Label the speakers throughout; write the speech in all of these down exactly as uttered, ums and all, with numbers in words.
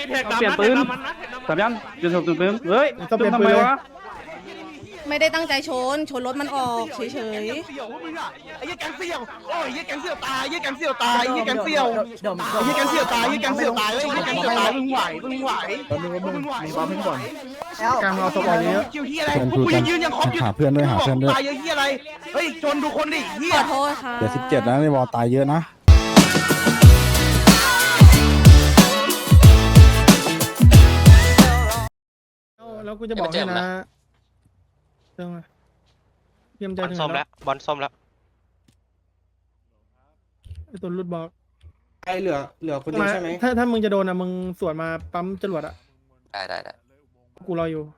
Speaker 1: เปลี่ยนปืนสามยันจะถูกปืนเฮ้ย
Speaker 2: ต้องเปลี่ยน
Speaker 1: ทำ
Speaker 2: ปื
Speaker 1: ไม
Speaker 2: นเลยว
Speaker 1: ะ
Speaker 3: ไม่ได้ตั้งใจชนชนรถมันออกเฉย
Speaker 4: เสี่ยวพวกมึงอ่ะไอ้ยี่แกงเสี่ยวโอ้ยยี่แกงเสี่ยวตายยี่แกงเสี่ยวตายยี่แกงเสี่ยวยี่แกงเสี่ยวตายยี่แกงเสี่ยวตายเลยยี่แกงเสี่ยวตายมึงไหวมึงไหวมึงไหวมึงไหว
Speaker 2: การเอาศพออกเยอะ
Speaker 4: คิวที่อะไรกูยังยืนยังครบอยู่
Speaker 5: หาเพื่อนด้วยหาเพื่อนด้วย
Speaker 4: ตายเยอะที่อะไรเฮ้ยชนดูคนดิเฮี
Speaker 3: ๆ
Speaker 4: ย
Speaker 3: ขอโทษค่ะ
Speaker 5: เดี๋ยวสิบเจ็ดนะในวอลตายเยอะนะ
Speaker 2: แล้วกูจะบอกให้นะเรื่องอะไรเตรียมใจ
Speaker 6: บอล
Speaker 2: ถึง
Speaker 6: ส้ม
Speaker 2: แล้
Speaker 6: แล้ว วบอลส้มแล้ว
Speaker 2: ไอ้ตัวรุดบอก
Speaker 7: ไอเหลือเหลือคนเดียวใช่ไหม
Speaker 2: ถ้าถ้ามึงจะโดนอะมึงสวนมาปั๊มจรวดอะ
Speaker 6: ได้ได้ได้
Speaker 2: กูรออยู่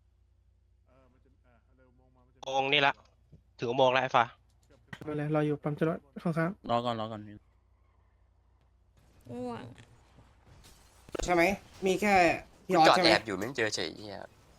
Speaker 6: โมงนี่ละถึงอุโมงค์แล้วไอ้ฟ้า
Speaker 2: ไปเลยรออยู่ปั๊มจรวดข้าง
Speaker 8: รอก่อนรอก่อน
Speaker 3: ง่วง
Speaker 7: ใช่ไหมมีแค่พี่ออส
Speaker 6: จอด
Speaker 7: ใช่ไหม
Speaker 6: แอบอยู่ไม่เจอเฉยเฮีย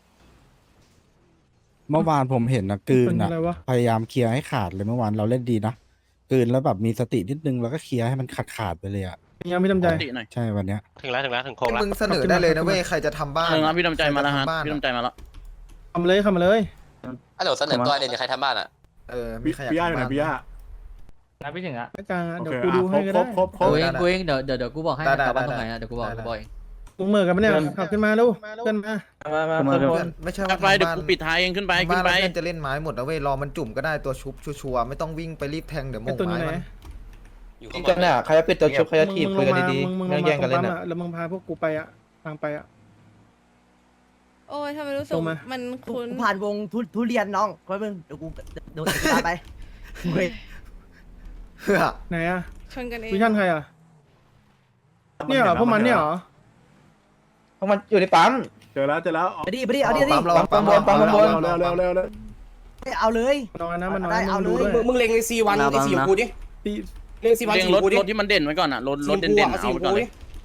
Speaker 5: เมื่อวานผมเห็นนะก
Speaker 2: ๆ
Speaker 5: ลืน
Speaker 2: เป็น
Speaker 5: นะ
Speaker 2: อะไรวะ
Speaker 5: พยายามเคลียร์ให้ขาดเลยเมื่อวานเราเล่นดีนะกลืนแล้วแบบมีสตินิดนึงแล้วก็เคลียร์ให้มันขาดขาดๆไปเลยอ่ะ
Speaker 2: ยังไม่ทำใจ
Speaker 8: ติหน่อย
Speaker 5: ใช่วันเนี้ย
Speaker 6: ถึงแล้วถึงแล้วถึงโค้งแล้ว
Speaker 9: มึงเสนอได้เลยนะเว้ยใครจะทำบ้าน
Speaker 8: เออพี่ดำใจมาแล้วฮะพี่ดำใจมาแล้ว
Speaker 2: ทำเลยทำมาเลย
Speaker 6: ฮัลโหลเสนอตัวเด่นใครทำบ้านอ่ะ
Speaker 9: เออมีใครอยากทำบ้าน
Speaker 1: นับไปถึงอ่ะ
Speaker 2: ไม่กลางอะเดี๋ยวกูดูให้ก็ได้
Speaker 9: กูเองกูเองเดี๋ยวเดี๋ยวเดี๋ยวกูบอกให้กลับบ้านตรงไหนอ่ะเดี๋ยวกูบอกกูบอก
Speaker 2: มึงเหมือกันปะเนี่ยขับขึ้นมาลูกเพื่อนมา
Speaker 7: มามา
Speaker 1: มา
Speaker 7: มา
Speaker 1: เร็ว
Speaker 9: ไม่ใช่
Speaker 8: กลั
Speaker 9: ว่า
Speaker 8: บไปเดี๋ยวกูปิดท้ายเองขึ้นไปขึ้
Speaker 9: บ้าน
Speaker 8: นไป
Speaker 9: เพื่อนจะเล่นไม้หมดนะเว้ยรอมันจุ่มก็ได้ตัวชุบชัวร์ๆไม่ต้องวิ่งไปรีบแทงเดี๋ยวม
Speaker 2: ไอ้
Speaker 9: ง
Speaker 2: ตัวนี้
Speaker 9: ไม้
Speaker 2: ไหน
Speaker 9: มัน
Speaker 6: อยู่
Speaker 7: จริ
Speaker 6: ข้าง งบ
Speaker 7: จัง
Speaker 6: น
Speaker 7: เนี่ยใครจะปิดตัวชุบใครจะถีบ
Speaker 2: มึ
Speaker 7: คุ
Speaker 2: ง
Speaker 7: ย
Speaker 2: ล
Speaker 7: กัน
Speaker 2: งมา
Speaker 7: ดี
Speaker 2: มึงมึง
Speaker 7: ๆ
Speaker 2: ล
Speaker 7: ไม่
Speaker 2: ง
Speaker 7: แย่
Speaker 2: มาง ตร
Speaker 7: กัน
Speaker 2: ง
Speaker 7: เล่น
Speaker 2: ปั๊ม
Speaker 7: อ่ะ
Speaker 2: อะแล้วมึงพาพวกกูไปอะทางไปอะ
Speaker 3: โอ้ยทำไมรู้สึก
Speaker 2: ตรงมา
Speaker 3: มันคุ้น
Speaker 10: ผ่านวงทุทุเรียนน้องไว้มึงเดี๋ยวกูเดี๋ยวกูพาไปเฮ้ย
Speaker 9: เพื่อ
Speaker 2: ไหนอะ
Speaker 3: ชนกันเอง
Speaker 2: วิชั่นใครอะเนี่ยเหรอพวกมันเนี่ยเหรอ
Speaker 7: เพราะมันอยู่ในปั๊ม
Speaker 1: เจอแล้วเจอแล้ว
Speaker 10: ไปดิไปดิเอาดิเอาดิ
Speaker 9: ปั๊มรอปั๊มบนปั๊มบน
Speaker 1: เร็วเร็วเร็วเร็ว
Speaker 10: เอาเลย
Speaker 2: นอนนะมันนอน
Speaker 10: ได้เอา
Speaker 2: มึงดู
Speaker 10: เลย
Speaker 2: ด้วย
Speaker 7: มึงมึงเล็งไอซีวันไอซีกูดิ
Speaker 2: ตี
Speaker 7: เล็งซีวัน
Speaker 8: เรียง
Speaker 7: ซี
Speaker 8: รถ
Speaker 7: กูดิ
Speaker 8: รถที่มันเด่นไว้ก่อนอ่ะรถรถ
Speaker 7: ซี
Speaker 8: เด่น
Speaker 7: กู
Speaker 8: เด่น
Speaker 7: เอาซี
Speaker 8: เอาไปก่อน
Speaker 7: กู
Speaker 8: เล
Speaker 7: ดิ
Speaker 8: ย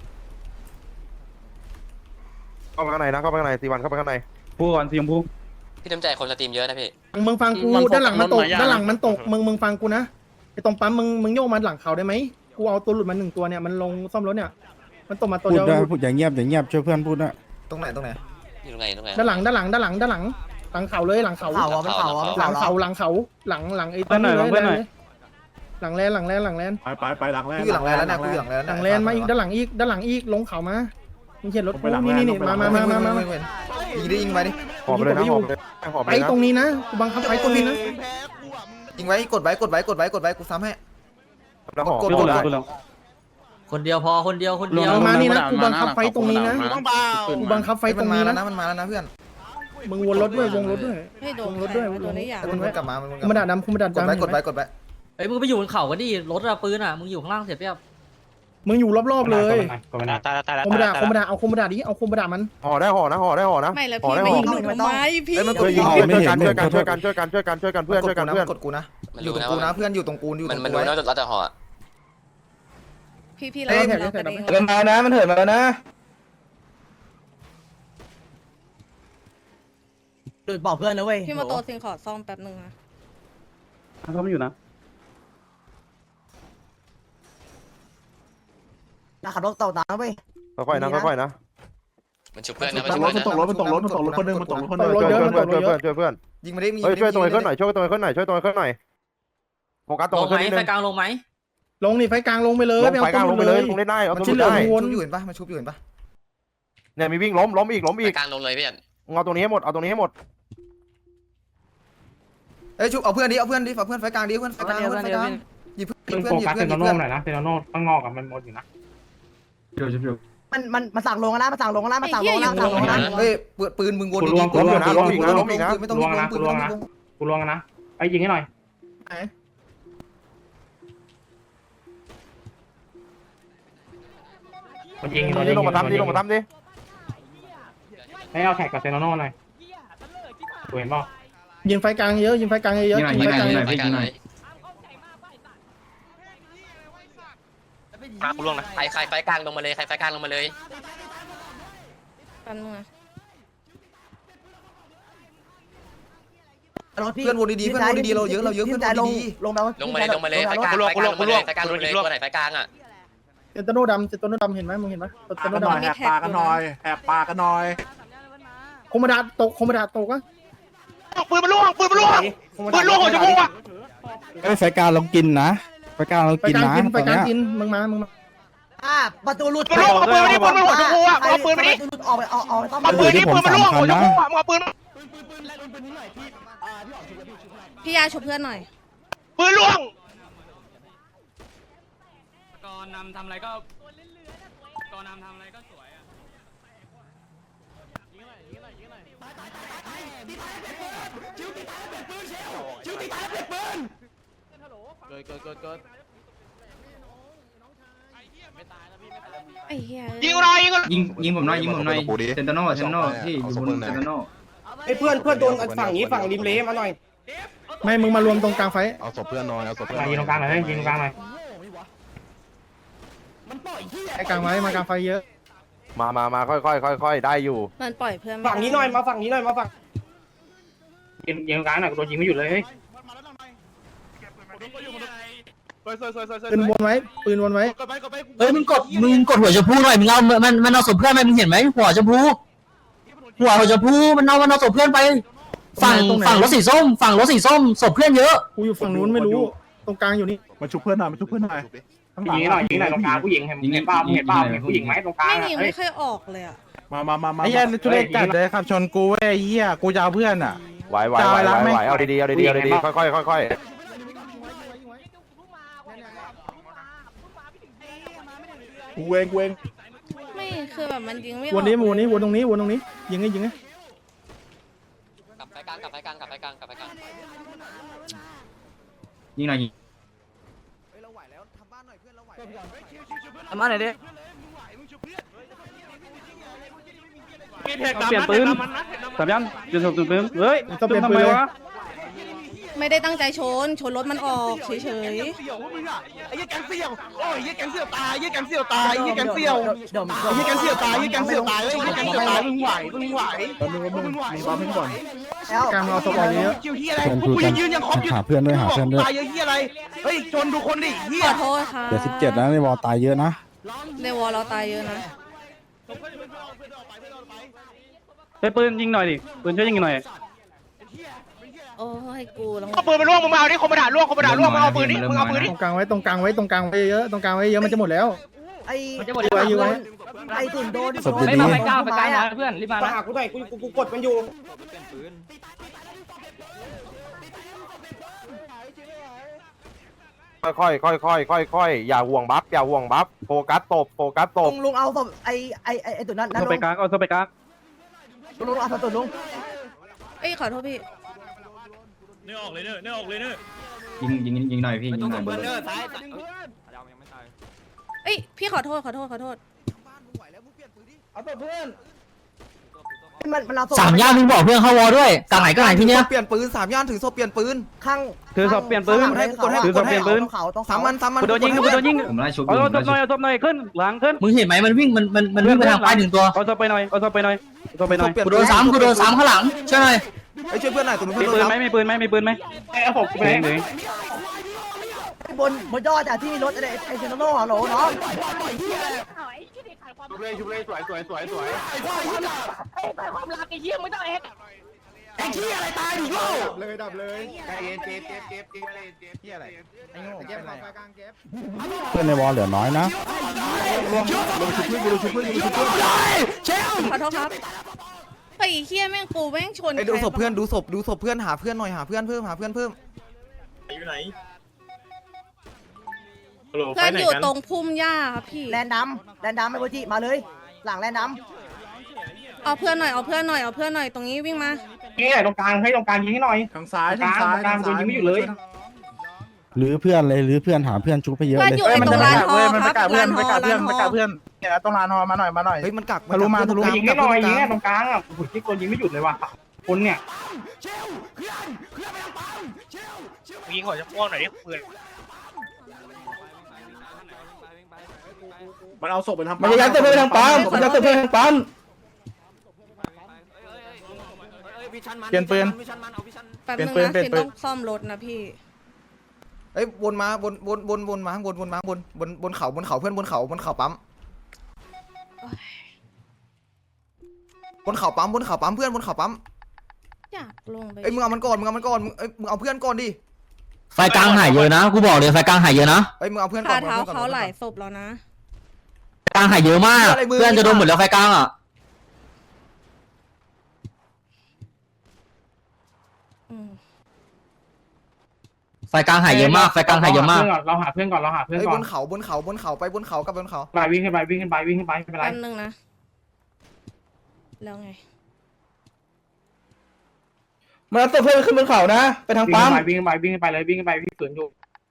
Speaker 4: เข้าไปข้างในนะเข้าไปข้างในซีวันเข้าไปข้างใน
Speaker 1: พูดก่อนสีชมพู
Speaker 6: พี่ดำใจคนสตรีมเยอะนะพี่
Speaker 2: มึงมึงฟังกูด้านหลังมันตกด้านหลังมันตกมึงมึงฟังกูนะไอ้ตรงปั๊มมึงมึงโยกมันหลังเขาได้ไหมกูเอาตัวหลุดมาหนึ่งตัวเนี่ยมันลงซ่อมรถเนี่ยมันตกมาตัว
Speaker 5: พูด
Speaker 2: เดียว
Speaker 5: ด้วยพูดอย่างเงียบอย่างเงียบช่วยเพื่อนพูดด้วย
Speaker 9: ตรงไหนตรงไหน
Speaker 6: อยู่ตรงไหนตรงไหน
Speaker 2: ด้านหลังด้านหลังด้านหลังด้านหลังหลังเขาเลยหลังเขา
Speaker 10: เผาอ่ะมันเผาอ่ะมัน
Speaker 2: หลั
Speaker 10: เผาง
Speaker 2: เขาหลังเขาหลังหลังไอ้ต้นเลยหลังแลนหลังแลนหลังแลน
Speaker 1: ไปไปไปหลังแรก
Speaker 9: กูอยู่หลังแลนแล้วนะกูอยู่หลังแลน
Speaker 2: หลังแลนมาอีกด้านหลังอีกด้านหลังอีกลงเขามามึงเขียนรถกูนี่นี่นี่มามามามามา
Speaker 9: ยิงได้ยิงไปดิ
Speaker 4: หอบเลยนะหอบเลยหอบ
Speaker 2: ไป
Speaker 4: เลยนะ
Speaker 2: ตรงนี้นะกูบังคับไปตรงนี้นะ
Speaker 9: ยิงไว้กดไว้กดไว้กดไว้กดไว้กูซ้ำให้
Speaker 4: แล้วหอบ
Speaker 9: กด
Speaker 1: พูดแล้วพูดแล้ว
Speaker 10: คนเดียวพอคนเดียวคนเดียว
Speaker 2: มานี่นะกูบังคับไฟตรงนี้นะ
Speaker 8: ต้องเปล่า
Speaker 2: กูบังคับไฟ
Speaker 9: ไฟ
Speaker 2: ต
Speaker 9: มั
Speaker 2: ร
Speaker 9: น
Speaker 2: ง
Speaker 9: มา
Speaker 2: นี้
Speaker 9: แล้ว
Speaker 2: นะ
Speaker 9: นะมันมาแล้วนะเพื่อน
Speaker 2: มึงวนรถด้วยวงรถด้วย
Speaker 3: ให้โดน
Speaker 2: รถด้วย
Speaker 3: โดนได้อย่าง
Speaker 9: มันวนกลับมามันวนก
Speaker 2: คุ
Speaker 9: ลั
Speaker 2: ณ
Speaker 9: บ
Speaker 2: มา
Speaker 9: มา
Speaker 2: ด่าดำคุณมาด่าก
Speaker 9: ดไว้
Speaker 2: ดำ
Speaker 9: กดไว้กดไว้
Speaker 10: เฮ้ยมึงไปอยู่บนเขาก็ดิรถอะปืนอะมึงอยู่ข้างล่างเสียเปรียบ
Speaker 2: มึงอยู่รอบๆเลย
Speaker 6: ตายแล้วตายแล้ว
Speaker 2: คมมาด่า
Speaker 6: ตาย
Speaker 2: คม
Speaker 6: แล้ว
Speaker 2: มาด่าเอาคมมาด่าดิเอาคมมาด่ามัน
Speaker 4: ห่อได้ห่อนะห่อได้ห่อนะ
Speaker 3: ไม่แล้ว
Speaker 4: ห่อ
Speaker 3: พี่
Speaker 4: ได้
Speaker 3: ไม่
Speaker 4: ห่อ
Speaker 3: ยิงหนูทำไมพี่
Speaker 9: เอ้ยมันก
Speaker 4: ช่
Speaker 9: ด
Speaker 4: วยยิง
Speaker 9: ยิง
Speaker 4: ช่วยกันช่วยกันช่วยกันช่วยกันช่วยกันช่วยกันเพื่อนช่วยกันเพื่อน
Speaker 9: กดกูนะ
Speaker 6: มัน
Speaker 9: อยู่
Speaker 6: รู้
Speaker 9: ตรง
Speaker 6: นะ
Speaker 9: กูนะเพื่อนอยู่ตรงกูอยู่ต
Speaker 6: มั
Speaker 9: ร
Speaker 6: น
Speaker 9: ง
Speaker 6: มัน
Speaker 9: กู
Speaker 6: รู้
Speaker 9: ไว้
Speaker 6: นะเราจะห่อ
Speaker 3: พี่พี่
Speaker 2: เอ้
Speaker 3: เรา
Speaker 2: ย
Speaker 3: เรากระเด้ง
Speaker 7: มันมานะมันเถิดมาแล้วนะ
Speaker 10: โดยบอกเพื่อนนะเว้ย
Speaker 3: พี่มาโตซิงขอซ่อมแป๊บนึงนะ
Speaker 1: เขาไม่อยู่นะ
Speaker 10: นะขับรถต่อตามเว้ย
Speaker 4: ค่อยๆนะค่อยๆนะ
Speaker 6: มันชุบเพื่อนนะมันชุบเพื่อนนะ
Speaker 9: ตกรถมันตกรถมันตกรถคนนึงมันตกรถคนนึง
Speaker 4: ช่วยเพื่อนช่วยเพื่อนช่วยเพื่อน
Speaker 9: ยิงมาได้มี
Speaker 4: เฮ้ยช่วยตรงไอ้ขึ้นหน่อยช่วยตรงไอ้ขึ้นหน่อยช่วยตรงไอ้ขึ้นหน่อยโฟกัสตรงไอ้ขึ้นนิดนึง
Speaker 10: ลงไหม
Speaker 2: ลงนี่ไฟกลางลงไปเลย
Speaker 4: ลงไฟกลางลงไปเลยลงได้ได้เอาตัว
Speaker 2: มัน
Speaker 4: ได้
Speaker 2: วน
Speaker 9: ชุบอยู่เห็นปะมันชุบอยู่เห็นปะ
Speaker 4: เนี่ยมีวิ่งล้มล้มอีกล้มอีก
Speaker 6: กลางลงเลยพี่
Speaker 4: เอาตรงนี้ให้หมดเอาตรงนี้ให้หมด
Speaker 9: เอ้ยชุบเอาเพื่อนดิเอาเพื่อนดิเอาเพื่อนไฟกลางดิเพื่อนไฟกลางเพื่อนไฟกลางหยิบเพื่อนหยิบเพื่อนหยิบเพื่อนหยิบเพื่อน
Speaker 1: นะเซนโน่ข้างนอกอะมันหมดอยู่นะเดี๋ยวเดี๋ยว
Speaker 10: มันมันมันสั่งลงแล้วมันสั่งลงแล้วมันสั่งลงแล้วสั่งลงแล้ว
Speaker 9: เฮ้ยปืนมึงวนดี
Speaker 4: ล้มอยู่นะล้มอีกนะล้มอีกนะ
Speaker 9: ไม่ต้องล้มปืนไม่ต้องล้ม
Speaker 1: กูลวงนะไอ้ยิงให้หน่อยมันยิง
Speaker 4: นี่ลงมาทำดิลงมาทำดิ
Speaker 1: ให้เอาแท็กกับเซนโน่หน่อยกูเห็นป่ะ
Speaker 2: ยิงไฟกลางเยอะยิงไฟกลางเยอะยิงไฟกลาง
Speaker 6: ไปกลางเลยมาคุณล่วงนะใครใครไฟกลางลงมาเลยใครไฟกลางลงมาเลย
Speaker 3: แป๊บนึงนะ
Speaker 10: รถพี่
Speaker 9: เพื่อนวนดีๆเพื่อนวนดีๆเราเยอะเราเยอะเพื่อนวนดี
Speaker 10: ลงมา
Speaker 6: ลงมาเลยลงมาเลยไฟกลางไฟกลางลงมาเลยตัวไหนไฟกลางอ่ะ
Speaker 2: เซนโตโนดำเซนโตโนดำเห็นไหมมึงเห็นไหมเซนโตโนดำ
Speaker 3: แหกปากกันหน่อย
Speaker 4: แหบปากกันหน่อย
Speaker 2: โคมดาตกโคมดาตกอะ
Speaker 4: ปืนมันล่วงปืนมันล่วงปืนล่วงหัวจมูกอ่ะ
Speaker 5: ไอ้ยไฟกลางลองกินนะไฟกลางลอง
Speaker 2: ไป
Speaker 5: กิน
Speaker 2: กลาง
Speaker 5: นะ
Speaker 2: กินไป
Speaker 5: ตอน
Speaker 2: กลาง
Speaker 5: เนี้ย
Speaker 2: กินมึงมามึงมา
Speaker 10: อ่าประตูหลุด
Speaker 4: ปืนล่วงเอาปืนมาดิปืนมันล่วงหัวจมูกอ่ะเอาปืนมาดิ
Speaker 10: ประตูหลุดออกไปออกออกไปต้อง
Speaker 4: เอาปืนนี่ปืนมันล่วงหัวจมูกอ่ะมึงเอาปืน
Speaker 3: พี่ยาช่วยเพื่อนหน่อย
Speaker 4: ปืนล่วง
Speaker 1: ก่อนนำทำอะไรก็ก่อนนำทำอะไรก็สวยอ่ะ
Speaker 8: เกิดเกิดเกิดเกิด
Speaker 3: ไอ้เหี้ย
Speaker 4: ยิงอะไรยิงอะไร
Speaker 1: ยิงยิงผมหน่อยยิงผมหน่อยเซนโตโน่เซนโตโน่ที่อยู่บนเซนโตโน่
Speaker 7: ไอ้เพื่อนเพื่อนโดนฝั่งนี้ฝั่งริมเลมาหน่อย
Speaker 2: ไม่มึงมารวมตรงกลางไฟ
Speaker 7: เอาศพเพื่อนหน่อยเอาศพเพื่อน
Speaker 1: มายิงตรงกลางหน่อยยิงตรงกลางหน่อย
Speaker 2: ไอ้กลางไว้มากลางไฟเยอะ
Speaker 4: มามามาค่อยค่อยค่อยค่อยได้อยู่
Speaker 3: มันปล่อยเพื่อน
Speaker 7: ฝั่งนี้หน่อยมาฝั่งนี้หน่อยมาฝั่ง
Speaker 1: ยิงยิงตรงกลางหน่อยโดนยิงไม่หยุดเลยเฮ้ย
Speaker 2: ปืนวนไว้ปืนวนไว้
Speaker 10: เฮ้ยมึงกดมึงกดหัวชมพูหน่อยมึงเอามันมันเอาศพเพื่อนไปมึงเห็นไหมหัวชมพูหัวหัวชมพูมันเอามันเอาศพเพื่อนไปฝั่งฝั่งรถสีส้มฝั่งรถสีส้มศพเพื่อนเยอะ
Speaker 2: กูอยู่ฝั่งนู้นไม่รู้ตรงกลางอยู่นี่
Speaker 4: มาชุบเพื่อนหน่อยมาชุบเพื่อนหน่อย
Speaker 1: ยิงหน่อยยิงหน่อยตรงกลางผู้หญิงเห็นเห็นเปล่าเห็นเปล่าเห็นผู้หญิงไหมตรงกลาง
Speaker 3: ไม่ยิง
Speaker 1: เฮ้ย
Speaker 3: ไม่ค่อยออกเลยอ่ะ
Speaker 4: มามามามา
Speaker 1: ไอ้เหี้ยทุเรศจัดเลยครับชนกูเว้ย
Speaker 4: เหี้ยกูจะเอาเพื่อนอ่ะไหวไหวไหวไหวเอาดีๆเอาดีๆเอาดีๆค่อยค่อยค่อยค่อย
Speaker 2: กูเองกูเอง
Speaker 3: ไม่คือแบบมันยิงไม่อ
Speaker 2: ว
Speaker 3: อน ก
Speaker 2: นี้วนนี้วนตรงนี้วนตรงนี้ยิงไงยิงไง
Speaker 6: กลับไฟกลางกลับไฟกลางกลับไฟกลางกลับไฟกลาง
Speaker 1: ยิงหน่อยยิง
Speaker 10: ทำมาไหนดิ
Speaker 1: เปลี่ยนปืนสามยันจุดสองจุดปืนเฮ้ย
Speaker 2: ต้องเปลี่ยนปืนเลย
Speaker 3: ไม่ได้ตั้งใจชนชนรถมันออกเฉย
Speaker 4: ไอ้เหี้ยแกงเสี่ยวโอ้ยไอ้เหี้ยแกงเสี่ยวตายไอ้เหี้ยแกงเสี่ยวตายไอ้เหี้ยแกงเสี่ยว
Speaker 10: เดี๋ยว
Speaker 4: ไอ้เหี้ยแกงเสี่ยวตายไอ้เหี้ยแกงเสี่ยวตายไอ้เหี้ยแกงเสี่ยวตายมึงไหวมึงไหวมึงไหวมึงไหว
Speaker 10: แล้ว
Speaker 2: กลางเอาศพออกเยอะ
Speaker 4: คิวเหี้ยอะไร
Speaker 5: เพื่อน
Speaker 4: กู
Speaker 5: พูดกั
Speaker 4: ยั
Speaker 5: น
Speaker 4: งยืนยังครบอยู่
Speaker 5: หาเพื่อนด้วยหาเพื่อนด้วย
Speaker 4: ตายเยอะเหี้ยอะไรเฮ้ยจนดูคนดิเหี้
Speaker 3: ๆ
Speaker 4: ย
Speaker 3: ขอโทษค่ะ
Speaker 5: เดี๋ยวสิบเจ็ดนะในวอลตายเยอะนะ
Speaker 3: ในวอลเราตายเยอะนะ
Speaker 1: ไปปืนยิงหน่อยดิปืนช่วยยิงหน่อย
Speaker 3: โอ้ให้กูแล้ว
Speaker 4: เอาปืนมาล่วงมึงมาเอาดิคอมมาด่าล่วงคอมมาด่าล่วงมึงเอาปืนดิมึงเอาปืนดิ
Speaker 2: ตรงกลางไว้ตรงกลางไว้ตรงกลางไว้เยอะตรงกลางไว้เยอะมันจะหมดแล้ว
Speaker 10: ไอ้
Speaker 2: จะหมดแล้วอยู่ไว้
Speaker 10: ไอ้ตุ่นโดน
Speaker 5: ศพดีๆ
Speaker 10: ไปก้าวไปก้าวนะเพื่อน
Speaker 7: มาหากูหน่อยกูกูกดมันอยู่
Speaker 4: ค่อยค่อยค่อยค่อยค่อยค่อยอย่าห่วงบัฟอย่าห่วงบัฟโฟกัสตบโฟกัสต
Speaker 10: ลุ
Speaker 4: บ
Speaker 10: งลุงเอาศพไอ้ไอ้ไอ้ไอ้ตุ่นนั้นนั่น
Speaker 1: โซ
Speaker 10: ลุ
Speaker 1: ไป
Speaker 10: ง
Speaker 1: กลางเอาโซไปกลาง
Speaker 10: ลุงเอาศพตุ่นลุง
Speaker 3: เอ้ยขอโทษพี่
Speaker 1: ยิงยิงยิงหน่อยพี่ยิงหน่อย
Speaker 3: เอ้ยพี่ขอโทษขอโทษขอโทษ
Speaker 2: เอาตัวเพื่อน
Speaker 10: มันมันเอาศพ
Speaker 9: สามย่านมึงบอกเพื่อนเข้าวอด้วยกลางไหนก็ไหนที่เนี้ย
Speaker 7: เปลี่ยนปืนสามย่านถือศพเปลี่ยนปืน
Speaker 10: ข้าง
Speaker 1: คือศพเปลี่ยนปืน
Speaker 10: ให้กดให้
Speaker 1: ถือศพเปลี่ยนปืน
Speaker 10: เขาต้อง
Speaker 7: สามมันสามมัน
Speaker 1: กูโดนยิงกูโดนยิง
Speaker 9: ผมไล่ชุบ
Speaker 1: เอาศพหน่อยเอาศพหน่อยขึ้นหลังขึ้น
Speaker 9: มึงเห็นไหมมันวิ่งมันมันมันวิ่งไปทางซ้ายหนึ่งตัว
Speaker 1: เอาศพไปหน่อยเอาศพไปหน่อยเอาศพไปหน่อย
Speaker 9: กูโดนสามกูโดนสามข้างหลังใช่ไหม
Speaker 7: ไอ้ช่วยเพื่อนหน่อยตัว
Speaker 1: มี
Speaker 7: เพื่อน
Speaker 1: ปืน
Speaker 7: โดน
Speaker 1: ไหมมีปืนไหมมีปืนไหมเอาศพไปไหน
Speaker 10: บนบนยอดอะที่มีรถไอ้ไอ้เซนโน่ฮัลโหลน้อง
Speaker 4: ชุบเลยชุบเลยสวยสวยสวยสวย
Speaker 2: เลยดับเลย
Speaker 4: ใจเย็นเจ็บเจ็บเจ็บเจ็บเจ็บเจ็บอะไร
Speaker 2: ไอ้โง่เก็บไฟกลางเก็บ
Speaker 5: เพื่อนในวอลเหลือน้อยนะ
Speaker 3: ขอโทษครับไอ้เฮียแม่งกูแม่งชน
Speaker 7: ไอ้ดูศพเพื่อนดูศพดูศพเพื่อนหาเพื่อนหน่อยหาเพื่อนเพิ่มหาเพื่อนเพิ่ม
Speaker 3: เพื่อนอยู่ตรงพุ่มหญ้าครับพี่
Speaker 10: แลนดำแลนดำไอ้โบจิมาเลย หลังแลนด
Speaker 3: เอาเพื่อนหน่อยเอาเพื่อนหน่อยเอาเพื่อนหน่อยตรงนี้วิ่งมา
Speaker 1: ยิงหน่อยตรงกลางให้ตรงกลางยิงให้หน่อย
Speaker 4: ทางซ้าย
Speaker 1: ตรงกลางตรงกลางโดนยิงไม่หยุดเลย
Speaker 5: หรือเพื่อนเลยหรือเพื่อนหาเพื่อนชุบไปเยอะ
Speaker 3: เพื่อน
Speaker 5: เลย
Speaker 3: อยู่ไอ้ตรงร้านฮอครับร้านฮอร้านฮอ
Speaker 4: เนี่ยต้องลานฮอมาหน่อยมาหน่อย
Speaker 7: เฮ้ยมันกัก
Speaker 4: ทะลุมาทะลุ
Speaker 1: ยิงให้หน่อยยิงให้ตรงกลางอ่ะหุ่นที่คนยิงไม่หยุดเลยว่ะคนเนี่ย
Speaker 4: ยิงหัวจะพ่วงหน่อยดิปืนมันเอาศพไปทำ
Speaker 1: มันยัดตัวไปทางปั๊มมันยัดตัวไปทางปั๊ม
Speaker 4: เปลี่ยนปืน
Speaker 3: แป๊บนึง
Speaker 4: เปลี่ยน
Speaker 3: นะ
Speaker 4: ปืน
Speaker 3: ฟิน
Speaker 4: เปลี่ยนปืน
Speaker 3: ต้องซ่อมรถนะพี่
Speaker 9: เอ้ยวนมาวนวนวนวนมาข้างบนวนมาข้างบนบนบนเขาบนเขาเพื่อนบนเขาบนเขาปั๊มบนเขาปั๊มบนเขาปั๊มเพื่อนบนเขาปั๊ม
Speaker 3: อยากลงไป
Speaker 9: เอ้ยมึงเอามันก่อนมึงเอามันก่อนมึงเอ้ยมึงเอาเพื่อนก่อนดิ
Speaker 10: ไฟกลางหายเยอะนะกูบอกเลยไฟกลางหายเยอะนะ
Speaker 9: เอ้ยมึงเอาเพื่อนก่อ
Speaker 3: คาน เท้า
Speaker 9: มึงอ
Speaker 3: เขา
Speaker 9: พื่อนก่อน
Speaker 3: หลายศพแล้วนะ
Speaker 10: ไฟกลางหายเยอะมากเพื่อนจะโดนหมดแล้วไฟกลางอ่ะ
Speaker 3: อืม
Speaker 10: ไฟกลางหายเยอะมากไฟกลางหายเยอะมาก
Speaker 1: เราหาเพื่อนก่อนเราหาเพื่อน
Speaker 9: เอ้ย
Speaker 1: ก่
Speaker 9: บ
Speaker 1: อน
Speaker 9: นเขาบนเขาบนเขาไปบนเขากับบนเขา
Speaker 1: ไปวิ่งขึ้นไปวิ่งขึ้นไปวิ่งขึ้นไปไม่เป็นไร
Speaker 3: แป๊บนึงนะ แล้วไง
Speaker 4: มันเอาตัวเพื่อนขึ้นบนเขานะไปทาง
Speaker 1: วิ่ง
Speaker 4: ปั๊
Speaker 1: ขึ้
Speaker 4: ม
Speaker 1: นไปวิ่งขึ้นไปวิ่งขึ้นไปเลยวิ่งขึ้นไปวิ่งสวนอยู่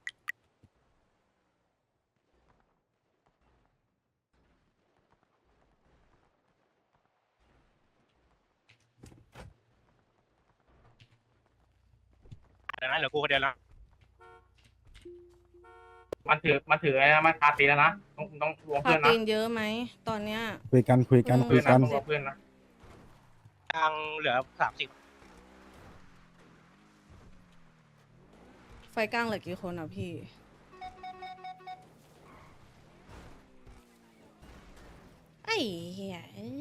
Speaker 8: ดังนั้นเหลือกูคนเดียวแล้ว
Speaker 1: มันถือมันถืออะไรนะมันคาตีแล้วนะต้องต้องรวม
Speaker 3: พา
Speaker 1: เพื่อนนะ
Speaker 3: ตีนเยอะไหมตอนเนี้ย
Speaker 5: คุยกันคุยกัน
Speaker 3: อืม
Speaker 5: คุ
Speaker 1: เพื่อย น
Speaker 5: กั
Speaker 1: นะ
Speaker 5: น
Speaker 1: ต้องรวมเพื่อนนะ
Speaker 8: กลางเหลือสามสิบ
Speaker 3: ไฟกลางเหลือกี่คนอ่ะพี่ ไอ้เหี้ยเอ้ย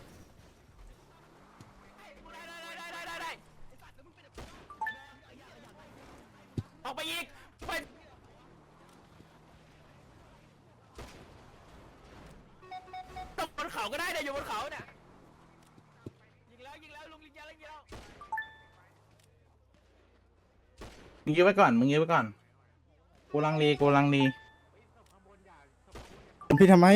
Speaker 8: ออกไปอีกไปตบบนเขาก็ได้เนี่ยอยู่บนเขาเนี่ยยิงแล้วยิงแล้วลุงยิงแล้วยิงแล้ว
Speaker 4: มึงยื้อไว้ก่อนมึงยื้อไว้ก่อนกูลังลีกูลังลี
Speaker 5: พี่ทำไม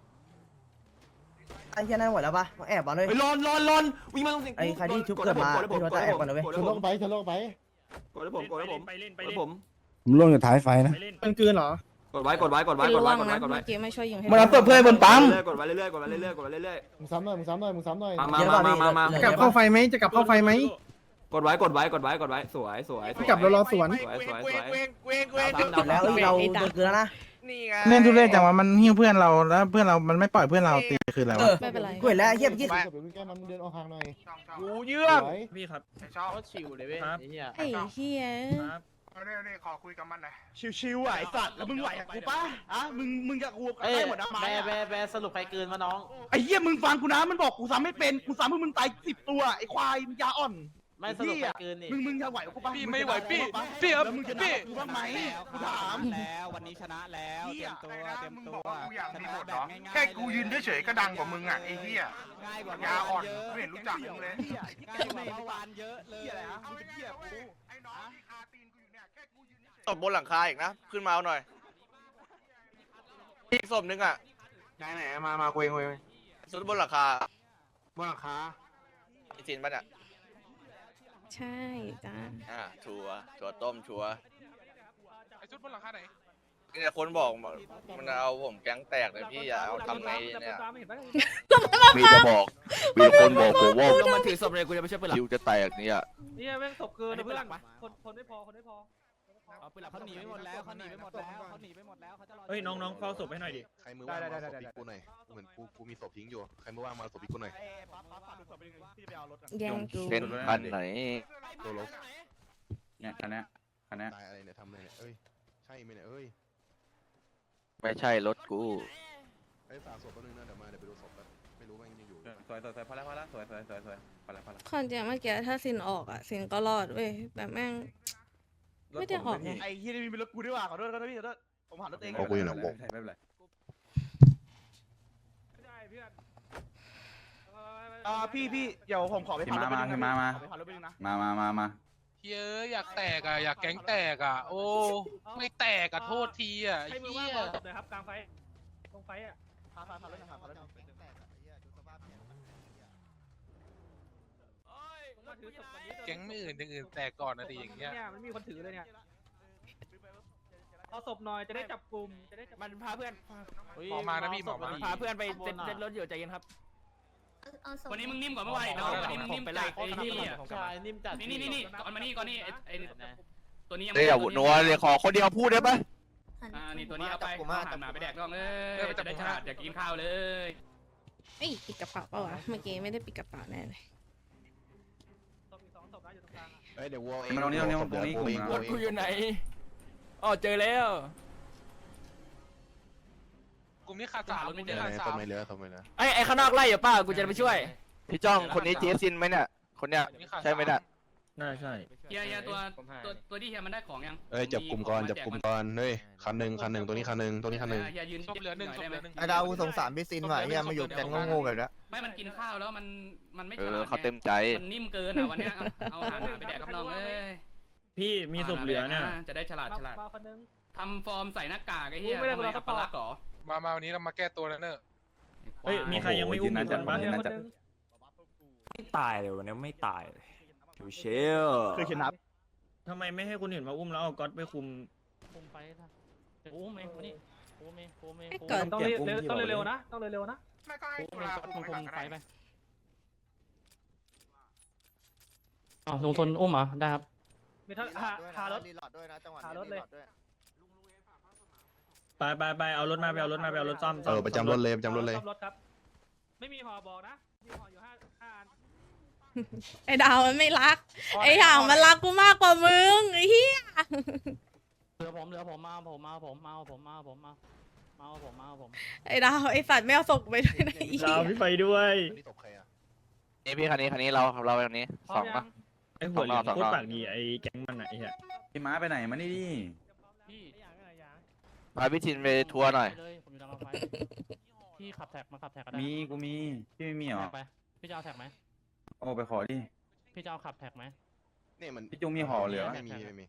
Speaker 9: ไอ้เหี้ยนั่นหมดแล้วปะแอบมาเลย
Speaker 8: ไปลอนลอนลอนวิ่งมาตรงสิง
Speaker 9: ไอ้ใครที่ชุบเกิดมาพี่ว่าจะแอบก่อนนะเว้ย
Speaker 5: ทะโลกไปทะโลกไป
Speaker 8: กดให้ผมกดให้ผมไปเล่นไปเล่นผม
Speaker 5: ผมล่วงอยู่ท้ายไฟนะ
Speaker 8: ไปเล่น
Speaker 2: มันกลืนเหรอ
Speaker 8: กดไว้กดไว้กดไว้
Speaker 3: เป็น
Speaker 8: กด
Speaker 3: ร่ว
Speaker 8: ไว้
Speaker 3: ง
Speaker 8: กดไว้
Speaker 3: นะ
Speaker 8: กดไว้
Speaker 3: เมื่อกี้ไม่ช่วยยิงให้
Speaker 4: มันเอาตัวเพื่อนบนปั๊ม
Speaker 8: กดไว้เรื่อยๆกดไว้เรื่อยๆกดไว้เรื่อย
Speaker 5: มึงซ้ำหน่อยมึงซ้ำหน่อยมึงซ้ำหน่อย
Speaker 8: ๆมามามามามา
Speaker 2: จะกลับเข้าไฟไหมจะกลับเข้าไฟไหม
Speaker 8: กดไว้กดไว้กดไว้กดไว้สวยสวย
Speaker 2: ไม่กลับเรารอสวน
Speaker 8: สวยสวยสวย
Speaker 9: แล้วเราโดนเกลือแล้วนะ
Speaker 4: เล่นทุเรศจังวะมันหิ้วเพื่อนเราแล้วเพื่อนเรามันไม่ปล่อยเพื่อนเราตีคืออะไรวะ
Speaker 3: ไม่เป็นไร
Speaker 9: กูเห็นแล้วไอ้เหี้ยเมื่อกี้
Speaker 5: เดี๋ยวมึงแก้มันมึงเดินออกห่างหน่อย
Speaker 8: กูเยือก
Speaker 5: สวย
Speaker 8: พี่ครับชอบชิวเลยเว้ยไอ้เหี้ย
Speaker 3: ไอ้เหี้ย
Speaker 8: ชิวๆอ่ะไอ้สัตว์แล้วมึงไหวกับกูป่ะอ่ะมึงมึงกับกูได้หมดนะมาแบแบสรุปใครเกินมาน้องไอ้เหี้ยมึงฟังกูนะมันบอกกูซ้ำไม่เป็นกูซ้ำให้มึงตายสิบตัวไอ้ควายมึงยาอ่อนไม่สรุปใครเกินนี่มึงมึงจะไหวกับกูป่ะพี่ไม่ไหวพี่พี่ครับมึงจะด่ากูบ้างไหมกูถาม
Speaker 7: แล้ววันนี้ชนะแล้วเตรียมตัวเตรียมตัวชนะแบบง่ายๆ
Speaker 11: แค่กูยืนเฉยๆก็ดังกว่ามึงอ่ะไอ้เหี้ย
Speaker 7: ง่ายกว่าย
Speaker 11: าอ่อนไม่เห็นรู้จักมึงเลย
Speaker 7: ง่ายกว่าเมื่อวานเยอะเลย
Speaker 11: เอาไอ้เหี้ยกูไอ้น้องที่คาตีนกูอยู่เนี่ยแค่กูยืนเฉย
Speaker 8: ตบบนหลังคาอีกนะขึ้นมาเอาหน่อยอีกศพนึงอ่ะ
Speaker 11: ไหนไหนมามาคุยคุย
Speaker 8: สุดบนหลังคา
Speaker 11: บนหลังคา
Speaker 8: ไอ้จินป่ะเนี่ย
Speaker 3: ใช่จ้า
Speaker 8: อ่าชัวชัวต้มชัว
Speaker 11: ไอ้ชุดบนหลังคาไหน
Speaker 8: เนี่ยคนบอกมันเอาผมแก๊งแตกเลยพี่อย่าเอาทำไงเนี่ย
Speaker 11: มีจะบอกมีคนบอกผมว่า
Speaker 8: ลงมาถือศพเลยกูจะไม่ใช่ปืนหลัก
Speaker 11: คิวจะแตกเนี่ย
Speaker 8: เนี่ยแม่งศพเกินเพื่อนคนคนไม่พอคนไม่พอ
Speaker 7: เอาปืนหลักเขาหนีไปหมดแล้วเขาหนีไปหมดแล้วเขาหนีไปหมดแล้วเขาจะรอ
Speaker 8: เฮ้ยน้องๆเฝ้าศพให้หน่อยดิ
Speaker 11: ใครมือว่างมาศพอีกกูหน่อยเหมือนกูกูมีศพทิ้งอยู่ใครมือว่างมาศพอีกกูหน่อย
Speaker 3: แย่งกู
Speaker 11: เป็นพันไหนตัวลบ
Speaker 4: เนี่ยคันนี้คันนี้
Speaker 11: ตายอะไรเนี่ยทำอะไรเนี่ยเอ้ยใช่ไหมเนี่ยเอ้ย
Speaker 6: ไม่ใช่รถกู
Speaker 11: ไอ้สาวศพแป๊บนึงนะเดี๋ยวมาเดี๋ยวไปดูศพแป๊บไม่รู้ว่ายังอยู่
Speaker 4: สวยสวยสวยพอแล้วพอแล้วสวยสวยสวยสวยพอแล้วพอแล้ว
Speaker 3: คอนเจเมื่อกี้ถ้าซินออกอ่ะซินก็รอดเว้ยแบบแม่ง ไม่ได้ออกไง
Speaker 8: ไอ้ที่นี่มีรถกูด้วยว่ะขอโทษขอโทษพี่ขอโทษผมหันรถเอง
Speaker 11: เอากูอยู่ไหนวะ
Speaker 4: ไม่เป็นไร
Speaker 8: อ่าพี่พี่เดี๋ยวผมขอไป
Speaker 4: มามามามา
Speaker 8: ไปผ่านรถไปนึงนะ
Speaker 4: มามามามา
Speaker 11: เยอะอยากแตกอ่ะอยากแก๊งแตกอ่ะโอ้ไม่แตกอ่ะโทษทีอ่ะ
Speaker 8: ให้มือว่างรอจบเลยครับกลางไฟตรงไฟอ่ะผ่านผ่านผ่านรถผ่านผ่านรถ
Speaker 11: แก๊งไม่อื่นอย่างอื่นแตกก่อนนะดิอย่างเงี้ย
Speaker 8: เนี่ยมันมีคนถือเลยเนี่ยเอาศพหน่อยจะได้จับกลุ่มจะได้มันพาเพื่อน
Speaker 11: หมอมานะพี่หมอมา
Speaker 8: พาเพื่อนไปเซ็ตเซ็ตรถอยู่ใจเย็นครับ
Speaker 12: วันนี้มึงนิ่มกว่าเมื่อวานอีกนะวันนี้มึงนิ่มจัดไอ้นี่ใช่นิ่มจัดนี่นี่นี่ก่อนมานี่ก่อนนี่ไอ้ตัวนี้ยัง
Speaker 6: เดี๋ยวนัวเลยขอคนเดียวพูดได้ปะ
Speaker 12: อ่านี่ตัวนี้เอาไปหันมาไปแดกน้องเอ้ยจะได้ฉลาดอยากกินข้าวเลย
Speaker 3: เอ้ยปิดกระเป๋าเปล่าวะเมื่อกี้ไม่ได้ปิดกระเป๋าแน่เลย
Speaker 11: เฮ้ยเดี๋ยววัวเอง
Speaker 4: มันตรงนี้ตรงนี้ตรงนี้กลุ่ม
Speaker 12: รถกูอยู่ไหนอ๋อเจอแล้ว
Speaker 11: กูมีขาดสามกูมีขาดสาม
Speaker 12: ไอ้ไอ้ข้างนอกไล่อยู่ป้ากูจะไปช่วย
Speaker 4: พี่จ้องคนนี้เจสินไหมเนี่ยคนเนี้ยใช่ไหมเนี่ย
Speaker 12: น่าใช่เฮียเฮียตัวตัวตัวที่เฮียมันได้ของยัง
Speaker 1: เอ้ยจับกลุ่มก่อนจับกลุ่มก่อนเฮ้ยคันหนึ่งคันหนึ่งตัวนี้คันหนึ่งตัวนี้คันหนึ่ง
Speaker 12: เฮียยืน
Speaker 11: ศพเหลือหนึ่งศพเหลือหนึ่ง
Speaker 4: ไอ้ดาวสงสารพี่ซินว่ะเฮียมาอยู่แก๊งโง่ๆแบบนี้
Speaker 12: ไม่มันกินข้าวแล้วมันมันไม่
Speaker 4: เอ
Speaker 12: ฉ
Speaker 4: อ
Speaker 12: ลาด
Speaker 4: เขาเต็มใจ
Speaker 12: มันนิ่มเกินอ่ะวันเนี้ยเอาอาหารไปแดกกับน้องเอ้ย
Speaker 8: พี่มีศพเหลือเนี่ย
Speaker 12: จะได้ฉลาดฉลาดทำฟอร์มใส่หน้ากากไอ้เหี้ยทำไมอัปลักษณ์หรอ
Speaker 11: มามาวันนี้เรามาแก้ตัวแล้วเนอะ
Speaker 8: เฮ้ยมีใครยังไม่อุ้มอีกคนบ้าง
Speaker 12: ไม่ตายเลยวันนี้ไม่ตายเชล
Speaker 4: คือชนะ
Speaker 8: ทำไมไม่ให้คนอื่นมาอุ้มแล้วเอาก๊อตไปคุม
Speaker 12: คุมไปนะอุ้มเองนี่อุ้มเองอุ้มเอง
Speaker 3: ให้เกิด
Speaker 8: ต้องเร็วต้องเร็วนะ
Speaker 11: ไม่ก็ให้
Speaker 12: อุ้ม
Speaker 11: เว
Speaker 12: เอง
Speaker 11: ลา
Speaker 12: ก็
Speaker 11: คุ
Speaker 12: คุ
Speaker 11: ม
Speaker 12: ม
Speaker 11: ไป
Speaker 12: คุ
Speaker 11: ก่อนก็ได้
Speaker 12: มไปไปอ๋อลงทนอุ้มเหรอได้ครับ
Speaker 4: มีทั้งหารถรีหลอดด้วยนะจังหวะนี้รีหลอดด้วย
Speaker 8: ไปไปไปเอารถมาไปเอารถมาไปเอารถซ่อม
Speaker 1: เออประจำรถเลยประจำรถเลย
Speaker 3: ไอ้ดาวมันไม่รัก ไอ้ห่างมันรักกูมากกว่ามึงไอ้เหี้ย
Speaker 12: เหลือผมเหลือผมมาผมมาผมมาผมมาผมมามาผมมาผม
Speaker 3: ไอ้ดาวไอ้สัตว์ไม่เอาศพไปด้วยนะไอ้เหี้
Speaker 8: ดาวย พี่ไปด้วย
Speaker 4: นี่พี่คันนี้คันนี้เราเราไปคันนี้สองปะ
Speaker 8: ไอ้หัวเหลืองโคตรปากดีไอ้แก๊งมันอะไอ้เหี้ย
Speaker 10: พี่ม้าไปไหนมานี่ดิ
Speaker 12: พี่
Speaker 4: พาพี่ทินไปทัวร์หน่อย
Speaker 12: เลยผมอยู่ดังรถไฟพี่ขับแท็กมาขับแท็กก็ได้
Speaker 10: มีกูมีพี่ไม่มีหรอ
Speaker 12: แท็กไปพี่จะเอาแท็กไหม
Speaker 10: โอ้ไปขอดิ
Speaker 12: พี่จะเอาขับแท็กไหม
Speaker 1: นี่มัน
Speaker 10: พี่จุงมีห่อเหลือ
Speaker 1: ไม่มีไม่มี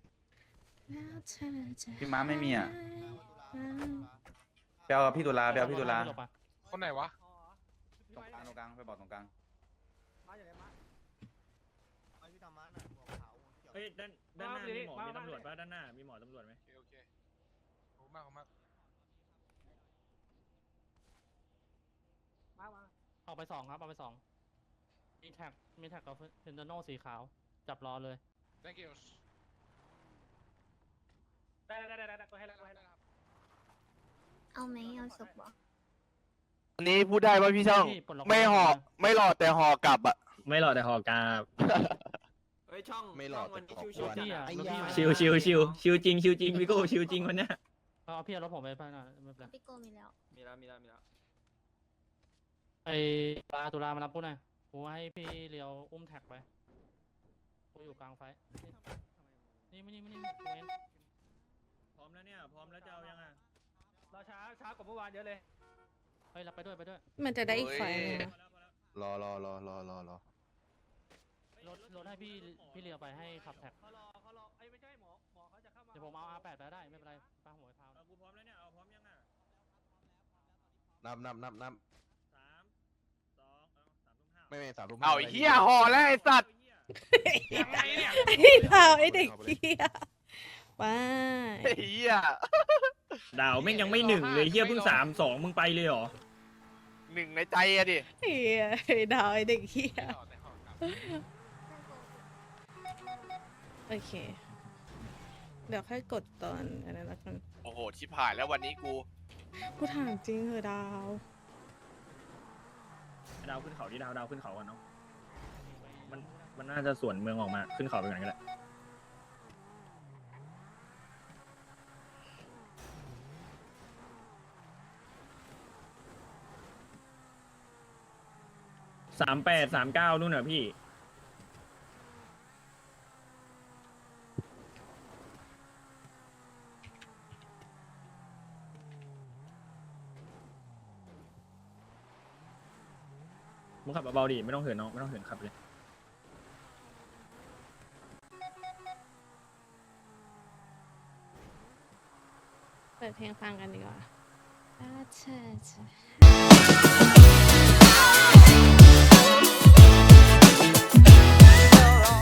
Speaker 10: พี่ม้าไม่มีอ่ะไปเอาพี่ตุลาไปเอาพี่ตุลา
Speaker 11: คนไหนวะ
Speaker 10: ตรงกลางตรงกลางไปบอกตรงกลาง
Speaker 8: เฮ้ยด้านด้านหน้ามีหมอมีตำรวจป่ะด้านหน้ามีหมอตำรวจไหม
Speaker 11: โอเคโอเคขอบคุณมากขอบคุณมาก
Speaker 12: เอาไปสองครับเอาไปสองมีแท็กมีแท็กกับเทนเดโนสีขาวจับรอเลย
Speaker 11: thank you
Speaker 3: เอาไหมเอาศพบ่
Speaker 4: อันนี้พูดได้ว่าพี่ช่อง
Speaker 12: พี่ปลดล็อก
Speaker 4: ไม่ห่อไม่หลอดแต่ห่อกลับอ่ะ
Speaker 8: ไม่หลอดแต่หอกาบ
Speaker 12: เฮ้ยช่อง
Speaker 1: ไม่หลอดแต่ขอบคุณ
Speaker 12: พี่อ่ะ
Speaker 8: ชิวชิวชิวชิวจริงชิวจริงพี่โก้ชิวจริงวันเนี้ย
Speaker 12: เอาพี่เอารถผมไปไปหน่อยไม่เป็นไร
Speaker 3: พี่โกมีแล้ว
Speaker 12: มีแล้วมีแล้วมีแล้วไอ้ปลาตุลามารับกูหน่อยกูให้พี่เลียวอุ้มแท็กไปกูอยู่กลางไฟนี่ไม่นี่ไม่นี่กูเอง
Speaker 8: พร้อมแล้วเนี่ยพร้อมแล้วจะเอายังอ่ะ
Speaker 12: รอช้าช้ากว่าเมื่อวานเยอะเลยเฮ้ยรับไปด้วยไปด้วย
Speaker 3: มันจะได้อีกไฟนึงนะ
Speaker 1: รอรอรอรอรอรอ
Speaker 12: รถรถให้พี่พี่เลียวไปให้ขับแท็กเขารอเขารอไอ้ไม่ใช่หมอหมอเขาจะเข้ามาเดี๋ยวผมเอา อาร์ แปด ไปได้ไม่เป็นไรป้าหัวพาว
Speaker 8: เอากูพร้อมแล้วเนี่ยเอาพร้อมยังอ่ะ
Speaker 1: นับนับนับนับ
Speaker 8: สามสองเอาสามทุ่มห้า
Speaker 1: ไม่ไม่สามทุ่ม
Speaker 4: เอาไอ้เหี้ยห่อแล้วไอ้สัตว์
Speaker 11: ยังไงเนี่ย
Speaker 3: ไอ้ดาวไอ้เด็กเหี้ยว้า
Speaker 4: ไอ้เหี้ย
Speaker 8: ดาวแม่งยังไม่หนึ่งเลยเฮียเพิ่งสามสองมึงไปเลยเหรอ
Speaker 4: หนึ่งในใจอะดิ
Speaker 3: เหี้ยไอ้ดาวไอ้เด็กเหี้ยโอเค เดี๋ยวค่อยกดตอนอันนั้นละกัน
Speaker 4: โอ้โหชิบหายแล้ววันนี้กู
Speaker 3: กูถามจริงเหรอดาว
Speaker 8: ดาวขึ้นเขาที่ดาวดาวขึ้นเขาก่อนเนาะมันมันน่าจะสวนเมืองออกมาขึ้นเขาไปก่อนก็ได้สามแปดสามเก้านู่นน่ะพี่มึงขับเบาๆดิไม่ต้องเหินน้องไม่ต้องเหินขับเลย
Speaker 3: เปิดเพลงฟังกันดีกว่า